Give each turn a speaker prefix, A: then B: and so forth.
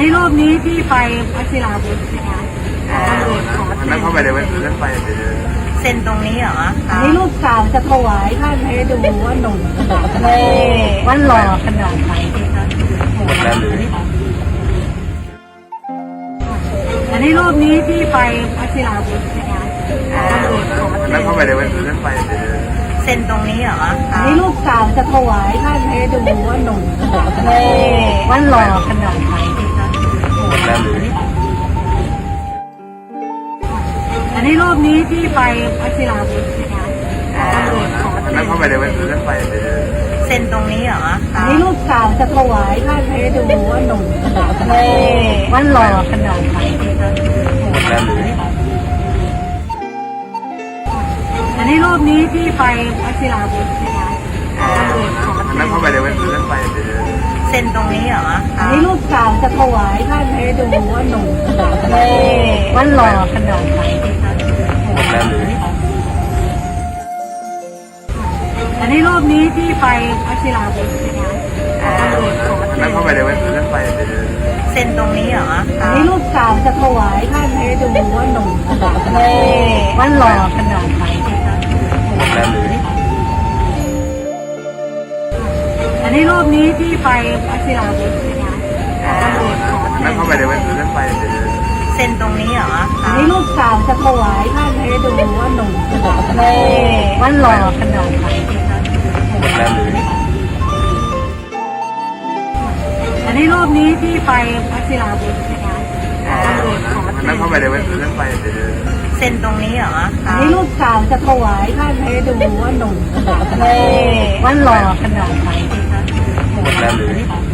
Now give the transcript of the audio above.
A: นี้รูปนี้ที่ไปวชิราวุธนะคะ
B: อันนั้นเข้าไปในเว็บนั้นไป
C: เซ็นตรงนี้เหรอ
A: อันนี้รูปเก่าจะถวายท่านให้ดูว่าหนุ่มขนาดไหนว่าหล่อขนาดไหนดีคะอันนี้รูปนี้ที่ไปวชิราวุธนะคะ
B: อันนั้นเข้าไปในเว็บนั้นไป
C: เซ็นตรงนี้เหรอ
A: อันนี้รูปเก่าจะถวายท่านให้ดูว่าหนุ่มขนาดไหนว่าหล่อขนาดไหนดีคะอันนี้รูปนี้ที่ไปวชิราวุธนะคะ
B: อันนั้นเข้าไปในเว็บนั้นไป
C: เซ็นตรงนี้เหรอ
A: อันนี้รูปเก่าจะถวายท่านให้ดูว่าหนุ่มขนาดไหนว่าหล่อขนาดไหนดีคะอันนี้รูปนี้ที่ไปวชิราวุธนะคะ
B: อันนั้นเข้าไปในเว็บนั้นไป
C: เซ็นตรงนี้เหรอ
A: อันนี้รูปเก่าจะถวายท่านให้ดูว่าหนุ่มขนาดไหนว่าหล่อขนาดไหนดีคะอันนี้รูปนี้ที่ไปวชิราวุธนะคะ
B: อันนั้นเข้าไปในเว็บนั้นไป
C: เซ็นตรงนี้เหรอ
A: อันนี้รูปเก่าจะถวายท่านให้ดูว่าหนุ่มขนาดไหนว่าหล่อขนาดไหนดีคะอันนี้รูปนี้ที่ไปวชิราวุธนะคะ
B: อันนั้นเข้าไปในเว็บนั้นไป
C: เซ็นตรงนี้เหรอ
A: อันนี้รูปเก่าจะถวายท่านให้ดูว่าหนุ่มขนาดไหนว่าหล่อขนาดไหนดีคะอันนี้รูปนี้ที่ไปวชิราวุธนะคะ
B: อันนั้นเข้าไปในเว็บนั้นไป
C: เซ็นตรงนี้เหรอ
A: อันนี้รูปเก่าจะถวายท่านให้ดูว่าหนุ่มขนาดไหนว่าหล่อขนาดไหนดีคะ